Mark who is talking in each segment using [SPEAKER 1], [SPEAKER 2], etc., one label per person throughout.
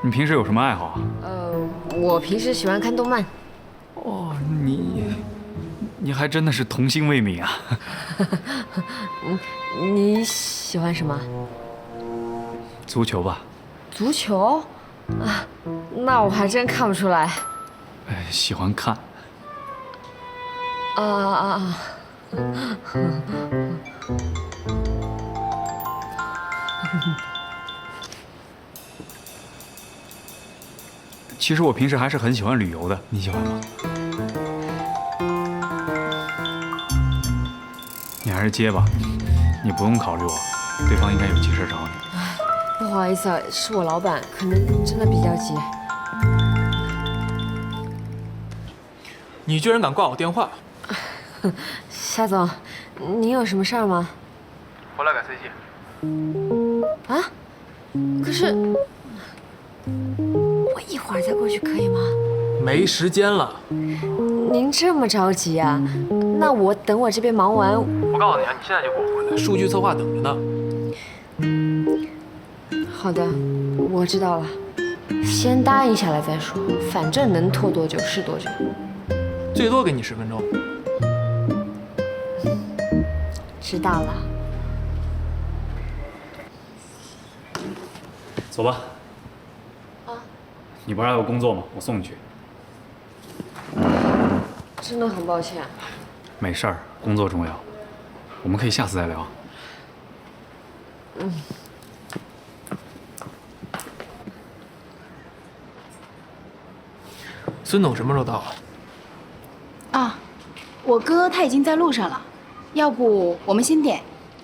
[SPEAKER 1] 你平时有什么爱好啊？
[SPEAKER 2] 我平时喜欢看动漫。
[SPEAKER 1] 哦，你还真的是童心未泯啊！
[SPEAKER 2] 你喜欢什么？
[SPEAKER 1] 足球吧？
[SPEAKER 2] 足球？啊，那我还真看不出来。
[SPEAKER 1] 喜欢看。
[SPEAKER 2] 啊！
[SPEAKER 1] 其实我平时还是很喜欢旅游的，你喜欢吗？你还是接吧，你不用考虑我，对方应该有急事找你。
[SPEAKER 2] 不好意思啊，是我老板，可能真的比较急。
[SPEAKER 3] 你居然敢挂我电话！
[SPEAKER 2] 夏总，您有什么事儿吗？
[SPEAKER 3] 回来改 CG。
[SPEAKER 2] 啊？可是我一会儿再过去可以吗？
[SPEAKER 3] 没时间了。
[SPEAKER 2] 您这么着急啊？那我等我这边忙完。
[SPEAKER 3] 我告诉你啊，你现在就给我回来，数据策划等着呢。
[SPEAKER 2] 好的，我知道了。先答应下来再说，反正能拖多久是多久。
[SPEAKER 3] 最多给你10分钟。
[SPEAKER 2] 知道了。
[SPEAKER 1] 走吧。
[SPEAKER 2] 啊？
[SPEAKER 1] 你不是还有工作吗？我送你去。
[SPEAKER 2] 真的很抱歉。
[SPEAKER 1] 没事儿，工作重要，我们可以下次再聊。
[SPEAKER 3] 孙总什么时候到啊？
[SPEAKER 4] 啊，我哥他已经在路上了，要不我们先点。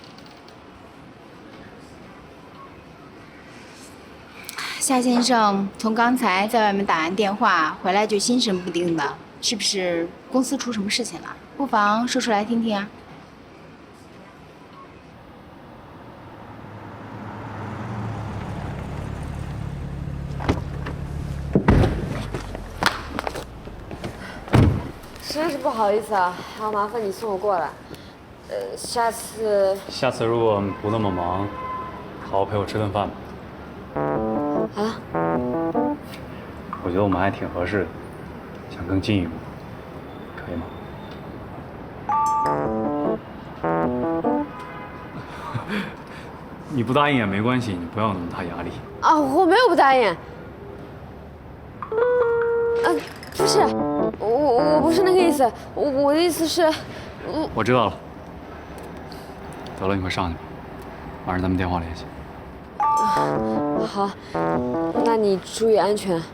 [SPEAKER 4] 夏先生从刚才在外面打完电话回来就心神不定的，是不是公司出什么事情了？不妨说出来听听啊。
[SPEAKER 2] 真是不好意思啊，还要麻烦你送我过来。下次
[SPEAKER 1] 如果不那么忙，好好陪我吃顿饭吧。
[SPEAKER 2] 好了。
[SPEAKER 1] 我觉得我们还挺合适的，想更进一步，可以吗？你不答应也没关系，你不要有那么大压力。
[SPEAKER 2] 啊，我没有不答应。不是，我不是那个意思，我的意思是，
[SPEAKER 1] 我知道了。得了，你快上去吧，晚上咱们电话联系。
[SPEAKER 2] 好，那你注意安全。